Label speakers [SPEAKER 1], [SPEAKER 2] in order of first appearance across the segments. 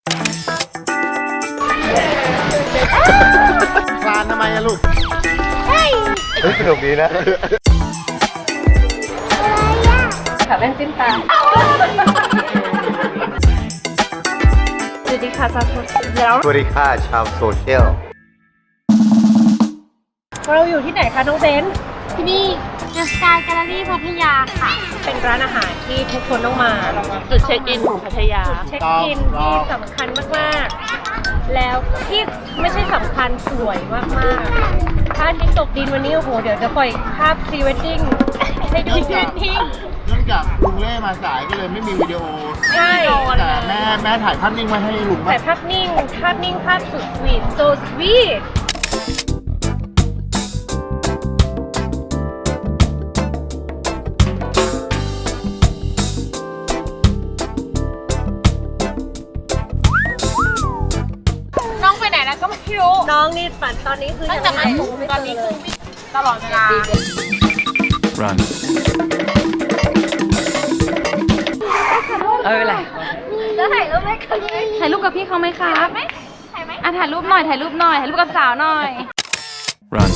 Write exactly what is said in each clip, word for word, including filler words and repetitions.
[SPEAKER 1] คลานทำไมอะลูก
[SPEAKER 2] เฮ้ยสนุกดีนะ
[SPEAKER 3] ค่ะแว่นจิ้มตาสวัสดีค่ะชาวโซเชียล
[SPEAKER 2] สวัสดีค่ะชาวโซเชียล
[SPEAKER 3] เราอยู่ที่ไหนคะน้องเบน
[SPEAKER 4] ที่นี่ The Sky Gallery พัทยาค่ะ
[SPEAKER 3] เป็นร้านอาหารที่ทุกคนต้องมา
[SPEAKER 4] จุดเช็คอินของพัทยา
[SPEAKER 3] เช็คอินที่สำคัญมากๆ แล้วที่ไม่ใช่สำคัญสวยมากๆถ้าที่ตกดินวันนี้โอ้โหเดี๋ยวจะปล่อยภาพพรีเวดดิ้งให้ดูพรีเวดดิ้ง
[SPEAKER 1] เนื่องจากลุงเล่มาสายก็เลยไม่มีวิดีโอ
[SPEAKER 3] ใช่
[SPEAKER 1] แต่แม่แม่ถ่ายภาพนิ่งมาให้ลุง
[SPEAKER 3] ถ่ายภาพนิ่งภาพนิ่งภาพสุดสวีท so sweet
[SPEAKER 4] น้องไปไหนแล้วก็ไม่รู้
[SPEAKER 3] น้องนี่ฝันตอนนี้คือ
[SPEAKER 4] ตั้งแต่มา
[SPEAKER 3] ยัง
[SPEAKER 4] ถึง
[SPEAKER 3] ไม่
[SPEAKER 4] ตอนนี้
[SPEAKER 3] เจ
[SPEAKER 4] คือ
[SPEAKER 3] เลย
[SPEAKER 4] วิ่งตลอดเวลา
[SPEAKER 2] Run
[SPEAKER 5] เออแหละ
[SPEAKER 4] แล้วถ่ายรูปไหมคะ
[SPEAKER 5] ถ่ายรูปกับพี่เขาไหมครับ
[SPEAKER 4] ถ่ายไหม
[SPEAKER 5] อ่ะถ่ายรูปหน่อยถ่ายรูปหน่อยถ่ายรูปกับสาวหน่อย
[SPEAKER 2] Run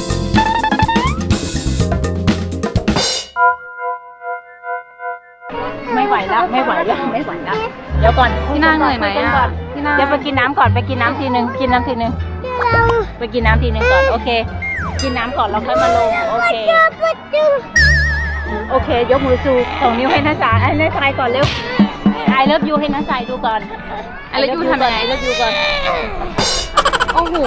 [SPEAKER 6] ไม่ไหวแล้วไม่ไหวแล้วไม่ไหวแล้วเดี๋ยวก่อน
[SPEAKER 5] พี่นางเหนื่อยไหมอ่ะพี่นาง
[SPEAKER 6] เดี๋ยวไปกินน้ำก่อนไปกินน้ำทีนึงกินน้ำทีนึงไปกินน้ำทีนึงก่อนโอเค กินน้ำก่อนเราค่อยมาลงโอเคโอเค ยกมือสูส่งนิ้วให้น้าจ๋าไอ้น้าชายก่อนเร็วไอเลิฟยูให้น้าชายดูก่อน
[SPEAKER 5] ไอ้แล้วยูทำยังไง
[SPEAKER 6] ไอเลิฟยูก่อน
[SPEAKER 5] โอ้โห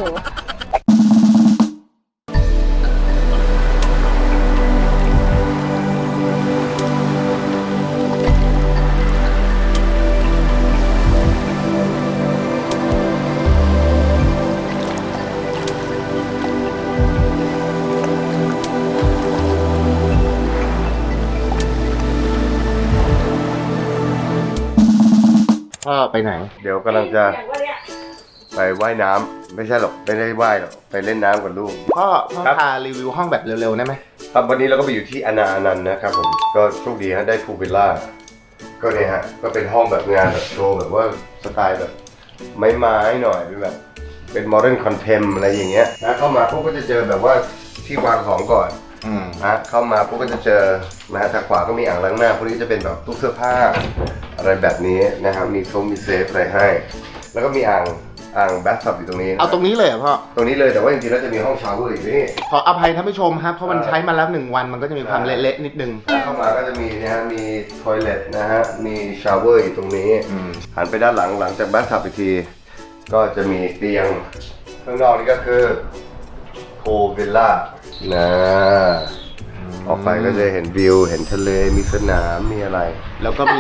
[SPEAKER 1] พ่อไปไหน
[SPEAKER 2] เดี๋ยวกำลังจะไปว่ายน้ำไม่ใช่หรอกไม่ได้ว่ายหรอกไปเล่นน้ำกับลูก
[SPEAKER 1] พ่อพ่อ
[SPEAKER 2] ครับ
[SPEAKER 1] พารีวิวห้องแบบเร็วๆได้ไหม
[SPEAKER 2] ครับวันนี้เราก็ไปอยู่ที่อนาอนันต์นะครับผมก็โชคดีฮะได้พูลวิลล่าก็เนี่ยฮะก็เป็นห้องแบบงานแบบโชว์แบบว่าสไตล์แบบไม้ๆหน่อยเป็นแบบเป็นโมเดิร์นคอนเทมอะไรอย่างเงี้ยนะเข้ามาพวกก็จะเจอแบบว่าที่วางของก่อน
[SPEAKER 1] อืม
[SPEAKER 2] นะเข้ามาพวกก็จะเจอนะฮะทางขวาก็มีอ่างล้างหน้าพวกนี้จะเป็นแบบตู้เสื้อผ้าอะไรแบบนี้นะครับมีโซมมีเซฟอะไรให้ แล้วก็มีอ่างอ่างแบทซับอยู่ตรงนี้
[SPEAKER 1] เอาตรงนี้เลยเหรอพ่อ
[SPEAKER 2] ตรงนี้เลยแต่ว่าจริงๆแล้วจะมีห้องชาวเวอร์อีกนี่
[SPEAKER 1] ขออภัยท่านผู้ชมครับ เพราะมันใช้มาแล้วหนึ่งวันมันก็จะมีความเละๆนิดนึง
[SPEAKER 2] เข้ามาก็จะมีนะฮะมีทอยเลทนะฮะมีชาวเวอร์อยู่ตรงนี้
[SPEAKER 1] อืม
[SPEAKER 2] หันไปด้านหลังหลังจากแบทซับอีกที ก็จะมีเตียงข้างนอกนี่ก็คือโพวิลล่านะออกไปก็จะเห็นวิวเห็นทะเลมีสนามมีอะไร
[SPEAKER 1] แล้วก็มี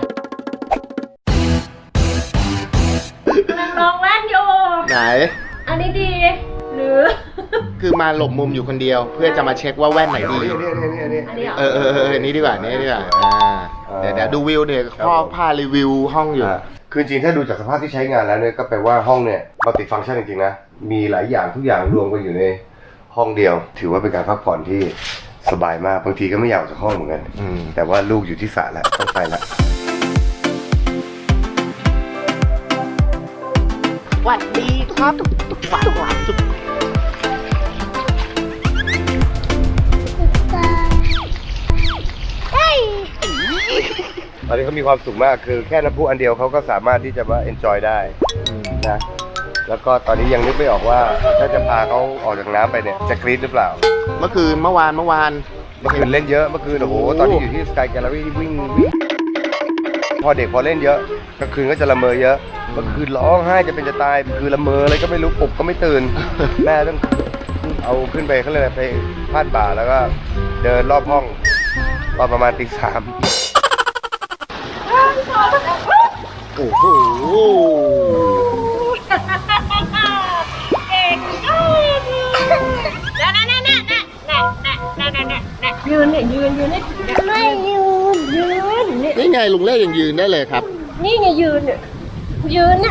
[SPEAKER 3] น้องแว่นอยู่
[SPEAKER 1] ไหน
[SPEAKER 3] อันนี้ดี หรือ
[SPEAKER 1] คือมาหลบมุมอยู่คนเดียว เพื่อจะมาเช็คว่าแว่นไหนดี
[SPEAKER 2] นี่นี่นี่นี่
[SPEAKER 3] อันนี้เหรอ
[SPEAKER 1] เออเออเออนี่ดีกว่านี่ดีกว่าอ่าเดี๋ยวเดี๋ยวดูวิวเนี่ยพ่อพารีวิวห้องอยู่
[SPEAKER 2] อ่ะคือจริงๆถ้าดูจากสภาพที่ใช้งานแล้วเนี่ยก็แปลว่าห้องเนี่ยมัลติฟังก์ชันจริงๆนะมีหลายอย่างทุกอย่างรวมกันอยู่ในห้องเดียว ถือว่าเป็นการพักผ่อนที่สบายมากบางทีก็ไม่อยากออกจากห้องเหมือนกัน
[SPEAKER 1] อืม
[SPEAKER 2] แต่ว่าลูกอยู่ที่สระแล้วต้องไปแล้ว
[SPEAKER 1] หวัดดีครับหวานหวานจุ๊บ
[SPEAKER 4] เฮ้ย
[SPEAKER 2] ตอนนี้เขามีความสุขมากคือแค่น้ำพุอันเดียวเขาก็สามารถที่จะว่า enjoy ได้นะแล้วก็ตอนนี้ยังนึกไม่ออกว่าถ้าจะพาเขาออกจากน้ำไปเนี่ยจะกรี๊ดหรือเปล่า
[SPEAKER 1] เมื่อคืนเมื่อวานเมื่อวาน
[SPEAKER 2] เมื่อคืนเล่นเยอะเมื่อคืนโอ้โหตอนที่อยู่ที่ Sky Gallery วิ่งวิ่งพอเด็กพอเล่นเยอะกลางคืนก็จะละเมอเยอะเมื่อคืนร้องไห้จะเป็นจะตายคือละเมออะไรก็ไม่รู้ปลุกก็ไม่ตื่น แม่ต้องเอาขึ้นไปเขาเลยกไปพาดบ่าแล้วก็เดินรอบห้องตอนประมาณตีสาม
[SPEAKER 1] โอ้โห
[SPEAKER 3] เก่งมากนั่นนั่นนั่นนั่นนั่นนั่นนั่นนั่นยืนเนี่ยยืนยืนให้ถึงเนี่ย
[SPEAKER 4] ไม่ยืน
[SPEAKER 3] ยืนนี่
[SPEAKER 1] นี่ไงลุงเล่ยังยืนได้เลยครับ
[SPEAKER 3] นี่ไงยืนเนี่ยยืนเนี่ย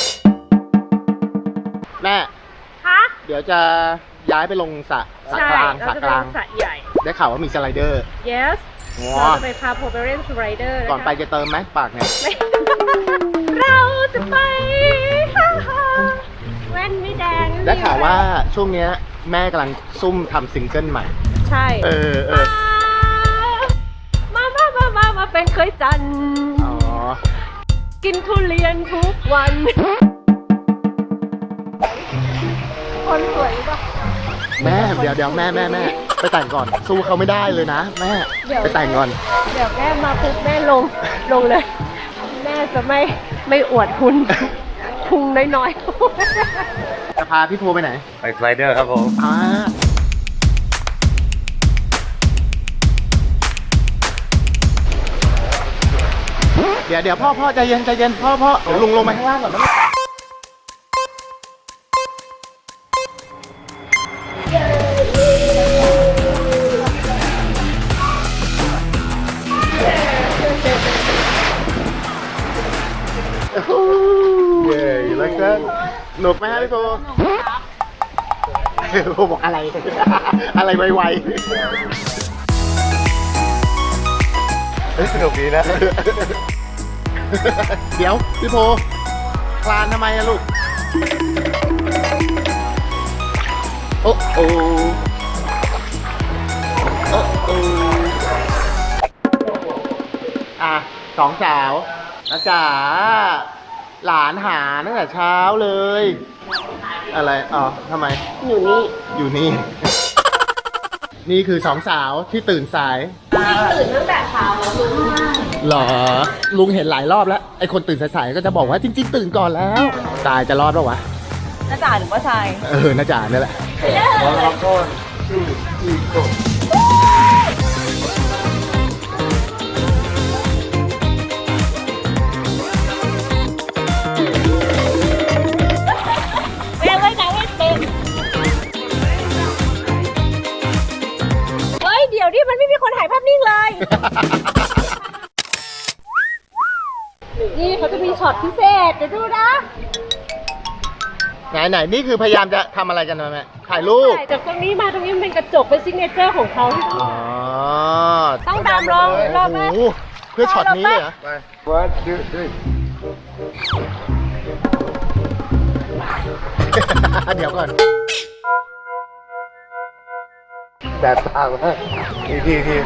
[SPEAKER 1] แม่
[SPEAKER 3] ฮะ
[SPEAKER 1] เดี๋ยวจะย้ายไปลงสระสระ
[SPEAKER 3] ใช่
[SPEAKER 1] กลางส
[SPEAKER 3] เรา
[SPEAKER 1] ระ
[SPEAKER 3] จะ
[SPEAKER 1] ก
[SPEAKER 3] ไป
[SPEAKER 1] ลาง
[SPEAKER 3] สระใหญ่
[SPEAKER 1] ได้ข่าวว่ามีสไลเดอร์
[SPEAKER 3] yes
[SPEAKER 1] ว้า
[SPEAKER 3] เราจะไปพาโพเบเรนสไลเดอร์
[SPEAKER 1] ก่อนไปจะเติมไหมปากเนี่ย
[SPEAKER 3] ไม่เราจะไปฮ่าฮ่าแว่นไม่แดง
[SPEAKER 1] ได้ข่าวว่าช่วงเนี้ยแม่กำลังซุ่มทำซิงเกิลใหม่
[SPEAKER 3] ใช่
[SPEAKER 1] เออเออ
[SPEAKER 3] มามามามามาเป็นเคยจันทร์
[SPEAKER 1] อ๋อ
[SPEAKER 3] กินทุเรียนทุกวัน คนสวยปะ
[SPEAKER 1] แม่เดี๋ยวเดี๋ยวแม่แม่แม่ไปแต่งก่อนสู้เขาไม่ได้เลยนะแม่
[SPEAKER 3] เดี๋ยว
[SPEAKER 1] ไปแต่งก่อน
[SPEAKER 3] เดี๋ยวแม่มาปุ๊บแม่ลงลงเลย แม่จะไม่ไม่อวดคุณพุงน้อย
[SPEAKER 1] จะพาพี่ภูไปไหน
[SPEAKER 2] ไปสไลเดอร์ครับผม
[SPEAKER 1] อ่าเดี๋ยวเดี๋ยวพ่อพ่อใจเย็นใจเย็นพ่อพ่อเดี๋ยวลุงลงมาข้างล่างก่อนนะเย้แล้วก็หนุกไหมฮะพี่โบพี่โบบอกอะไร อะไรไว
[SPEAKER 2] เฮ้ยสนุกดีนะ
[SPEAKER 1] ๆ เดี๋ยวพี่โบคลานทำไมอะลูก โอ้โอ้โอ้โอ้อ่ะสองสาวนะจ๋าหลานหาตั้งแต่เช้าเลย อะไรอ๋อทำไม
[SPEAKER 3] ๆ อยู่นี่
[SPEAKER 1] อยู่นี่ นี่คือสองสาวที่ตื่นสาย
[SPEAKER 3] ตื่นตั้งแต่เช้าแล้วลุง
[SPEAKER 1] หรอ ลุงเห็นหลายรอบแล้ว ไอ้คนตื่นสายๆก็จะบอกว่าจริงๆ ตื่นก่อนแล้ว ตายจะรอดปะวะ
[SPEAKER 5] น้าจ๋าหรือว่าชาย
[SPEAKER 1] เออน่าจะนี่แหละ
[SPEAKER 2] ร้อนร้อนก้อนชื่ออีกตัว
[SPEAKER 3] แม่ไว้ไหนไว้เป็นเฮ้ย เดี๋ยวนี่มันไม่มีคนถ่ายภาพนิ่งเลย นี่เขาจะมีช็อตพิเศษ เดี๋ยวดูนะ
[SPEAKER 1] ไหนไหนนี่คือพยายามจะทำอะไรกันนะแม่ถ่ายรูป
[SPEAKER 3] ถ่ายจากตรงนี้มาตรงนี้มันเป็นกระจกเป็นซิกเนเจอร์ของเขา
[SPEAKER 1] อ๋อ
[SPEAKER 3] ต้องตามลองรอบแรก
[SPEAKER 1] โอ้โหเพื่อช็อตนี้เลยเหรอ
[SPEAKER 2] ไปวัดดื้อดื้อ
[SPEAKER 1] เดี๋ยวก่อน
[SPEAKER 2] แต่ตามากทีทีที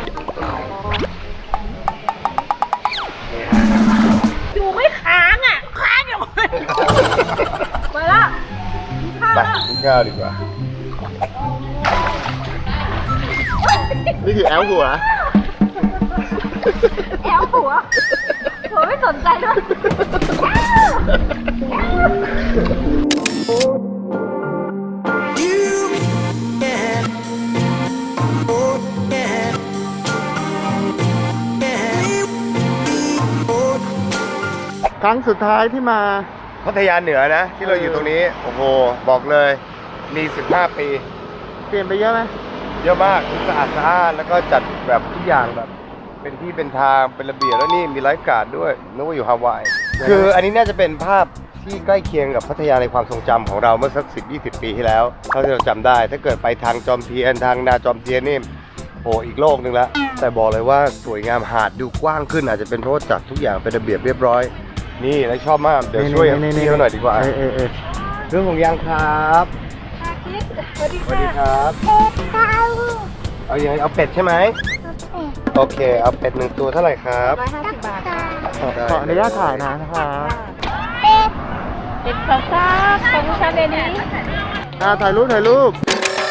[SPEAKER 3] อยู่ไม่ค้างอ่ะ ค้างอยู่ มาละข้าว
[SPEAKER 2] ไป
[SPEAKER 3] ละ
[SPEAKER 2] กินข้าวดีกว่า
[SPEAKER 1] นี่คือแอลหัว
[SPEAKER 3] แอวหัว หัวไม่สนใจด้วย
[SPEAKER 1] ครั้งสุดท้ายที่มา
[SPEAKER 2] พัทยาเหนือนะ ที่เราอยู่ตรงนี้ โอ้โห บอกเลยมีสิบห้าปี
[SPEAKER 1] เปลี่ยนไปเยอะไหม
[SPEAKER 2] เยอะมากสะอาดสะอาดแล้วก็จัดแบบทุกอย่างแบบ เป็นที่เป็นทางเป็นระเบียบแล้วนี่มีไลฟ์การ์ดด้วยนึกว่าอยู่ฮาวายคืออันนี้น่าจะเป็นภาพที่ใกล้เคียงกับพัทยาในความทรงจำของเราเมื่อสักสิบยี่สิบปีที่แล้วเท่าที่เราจำได้ ถ้าเกิดไปทางจอมเทียนทางนาจอมเทียนนี่โอ้อีกโลกหนึงแล้วแต่บอกเลยว่าสวยงามหาดดูกว้างขึ้นอาจจะเป็นเพราะว่าจัดทุกอย่างเป็นระเบียบเรียบร้อย นี่แล้วชอบมากเดี๋ยวช่วยพี่เขาหน่อยดีกว่า
[SPEAKER 1] เออเออเออ
[SPEAKER 2] เรื่องของยางครับสวัสดีครับเอาอย่างไรเอาเป็ดใช่ไหมโอเค เอาเป็ดหนึ่งตัวเท่าไหร่ครับ
[SPEAKER 3] ร้อยห้าสิบบาทค่ะ
[SPEAKER 1] ขออนุญาตถ่ายนะคะ
[SPEAKER 3] เด็ดข้าวซ่าของชาเดนี้
[SPEAKER 1] อ่าถ่ายรูปถ่ายรูป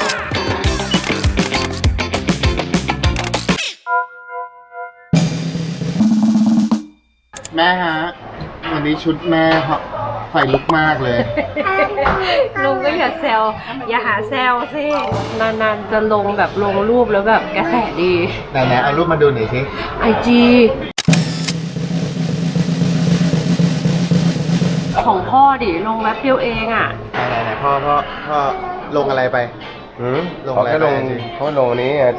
[SPEAKER 1] แม่ฮะ วันนี้ชุดแม่ไฟลุกมากเลย
[SPEAKER 3] ลุงก็อย่าแซวอย่าหาแซวสินานๆจะลงแบบลงรูปแล้วแบบกระแสดี
[SPEAKER 1] ไหนๆเอารูปมาดูหน่อยสิ
[SPEAKER 3] ไอจีของพ่อดิลงแป๊บเดียวเองอ่ะ
[SPEAKER 1] ไหนๆไหนพ่อพ่อพ่อลงอะไรไป
[SPEAKER 2] หืม
[SPEAKER 1] ลง
[SPEAKER 2] เขา
[SPEAKER 1] อะไร
[SPEAKER 2] แค่ลง
[SPEAKER 1] ไปจริง
[SPEAKER 2] เขาลงนี้ไง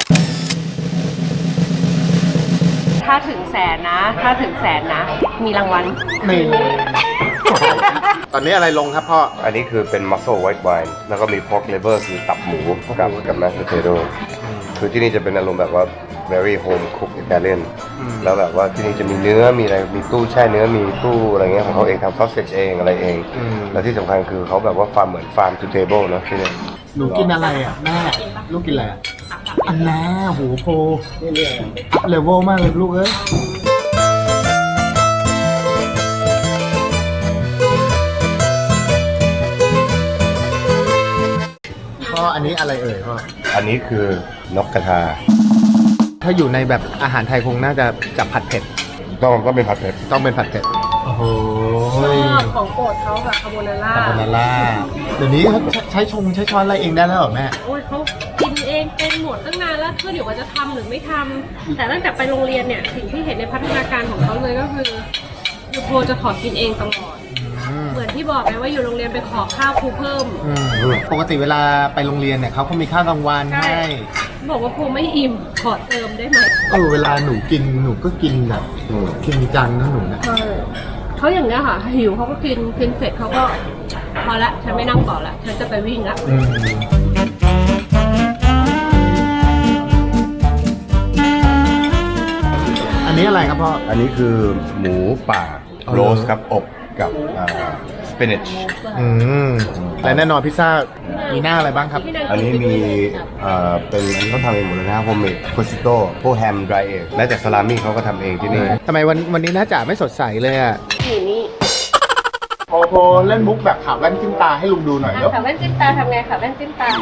[SPEAKER 3] ถ้าถึงแสนนะ ถ้าถึงแสนนะ มีรางวัล
[SPEAKER 1] นี่ ตอนนี้อะไรลงครับพ่อ
[SPEAKER 2] อันนี้คือเป็น muscle white wine แล้วก็มี pork liver คือตับหมูกับกับ mashed potato คือที่นี่จะเป็นอารมณ์แบบว่า very home cook Italian
[SPEAKER 1] อืม
[SPEAKER 2] แล้วแบบว่าที่นี่จะมีเนื้อมีอะไรมีตู้แช่เนื้อมีตู้อะไรเงี้ยของเขาเองทำ sausage เองอะไรเอง
[SPEAKER 1] อืม
[SPEAKER 2] แล้วที่สำคัญคือเขาแบบว่าฟาร์มเหมือนฟาร์ม to table เนอะที่นี่
[SPEAKER 1] หนูกินอะไรอ่ะแม่ลูกกินอะไรอ่ะอันน่าหูโพเลเวลมากเลยลูกเอ้ยพ่ออันนี้อะไรเอ่ยพ่อ
[SPEAKER 2] อันนี้คือนกกระทา
[SPEAKER 1] ถ้าอยู่ในแบบอาหารไทยคงน่าจะจับผัดเผ็ด
[SPEAKER 2] ต้องก็เป็นผัดเผ็ด
[SPEAKER 1] ต้องเป็นผัดเผ็ดโอ้โห
[SPEAKER 3] ชอบของโปรดเขาแบบคาโบนาร่า
[SPEAKER 1] คาโบนาร่าเดี๋ยวนี้เขาใช้ชงใช้ช้อนอะไรเองได้แล้วเหรอแม่
[SPEAKER 3] โอ้ยเขากินเองเป็นหมดตั้งนานแล้วเพื่อเดี๋ยวว่าจะทำหรือไม่ทำแต่ตั้งแต่ไปโรงเรียนเนี่ยสิ่งที่เห็นในพัฒนาการของเขาเลยก็คือยูโพจะขอกินเองตลอดเหมือนที่บอกไงว่าอยู่โรงเรียนไปขอข้าวครูเพิ่ม
[SPEAKER 1] อืมปกติเวลาไปโรงเรียนเนี่ยเขาก็มีข้าวกลางวัน
[SPEAKER 3] ใช่
[SPEAKER 1] ให้
[SPEAKER 3] บอกว่าครูไม่อิ่มขอเติมได้ไหม
[SPEAKER 1] เออเวลาหนูกินหนูก็กินแบบกินจังนะหนูนะ
[SPEAKER 3] ใช่เขาอย่างเนี้ยค่ะหิวเขาก็กินกินเสร็จเขาก็พอละฉันไม่นั่งต่อละฉันจะไปวิ่งละ
[SPEAKER 1] อืมอันนี้อะไรครับพ่อ
[SPEAKER 2] อันนี้คือหมูป่า
[SPEAKER 1] อ๋อ
[SPEAKER 2] โรสครับอบกับสปินัช
[SPEAKER 1] อืมและแน่นอนพิซซ่ามีหน้าอะไรบ้างครับ
[SPEAKER 2] อันนี้มีเอ่อเป็นอันนี้เขาทำเองหมดเลยนะโฮมเมดโคชิโต้พวกแฮมดรายเองแม้แต่ซาลามี่เขาก็ทำเองที่นี่
[SPEAKER 1] ทำไมวันวันนี้น้าจ๋าไม่สดใสเลยอ่ะ
[SPEAKER 3] นี่นี่
[SPEAKER 1] โอ้โหเล่นมุกแบบขาวแว่นจิ้มตาให้ลุงดูหน่อยเนาะ
[SPEAKER 3] ขาแว่นจิ้มตาทำไงขาแว่นจิ้มตา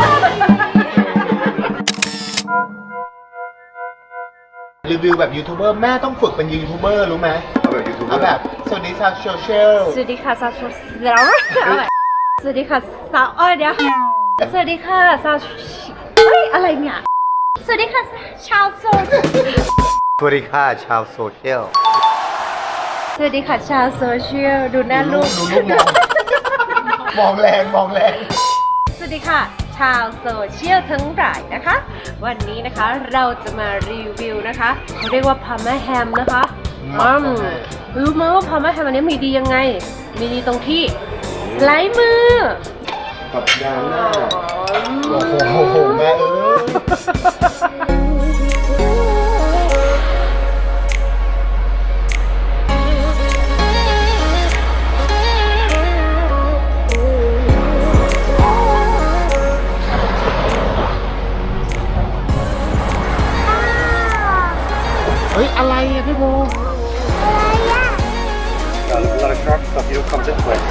[SPEAKER 1] รีวิวแบบยูทูบเบอร์แม่ต้องฝึกเป็นยูทูบเบอร์รู้ไหม
[SPEAKER 2] เอาแบบยูทูบเบอ
[SPEAKER 1] เอา
[SPEAKER 2] ร์
[SPEAKER 1] แบบสวัสดีชาวโซเชียล
[SPEAKER 3] สวัสดีค่ะสาวแล้วสวัสดีค่ะสาวอ้อยเดี๋ยวสวัสดีค่ะสาวเฮ้ยอะไรเนี่ยสวัสดีค่ะชาวโซ
[SPEAKER 2] สวัสดีค่ะชาวโซเชียล
[SPEAKER 3] สวัสดีค่ะชาวโซเชียลดูหน้าลูก
[SPEAKER 1] ดูลูกมองมองแรงมองแรง
[SPEAKER 3] สวัสดีค่ะชาวโซเชียลทั้งหลายนะคะ วันนี้นะคะเราจะมารีวิวนะคะเขาเรียกว่าพาม่าแฮมนะคะอืมรู้ไหมว่าพาม่าแฮมอันนี้มีดียังไง มีดีตรงที่สไลด์มือ
[SPEAKER 2] กับดาหน้า
[SPEAKER 1] โอ้โหโอ้โหแม่เออ เฮ้ย อะไรอะพี่โบ
[SPEAKER 2] A lot of sharp stuff you don't come this way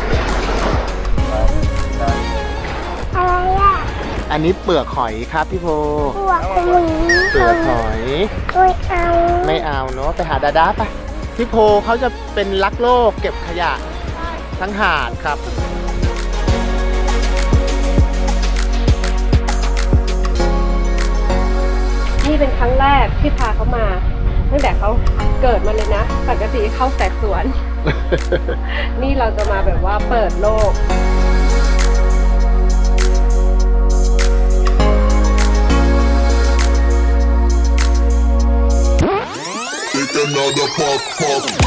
[SPEAKER 1] อันนี้เปลือกหอยครับพี่โบ
[SPEAKER 4] หัวขมุน
[SPEAKER 1] เปลือกหอย
[SPEAKER 4] ไม่เอา
[SPEAKER 1] ไม่เอาเนาะไปหาดาดาไปพี่โพเขาจะเป็นรักโลกเก็บขยะทั้งหาดครับ
[SPEAKER 3] นี่เป็นครั้งแรกที่พาเขามาตั้งแต่เขาเกิดมาเลยนะปกติเข้าแต่สวน นี่เราจะมาแบบว่าเปิดโลก
[SPEAKER 7] Take another puff, puff.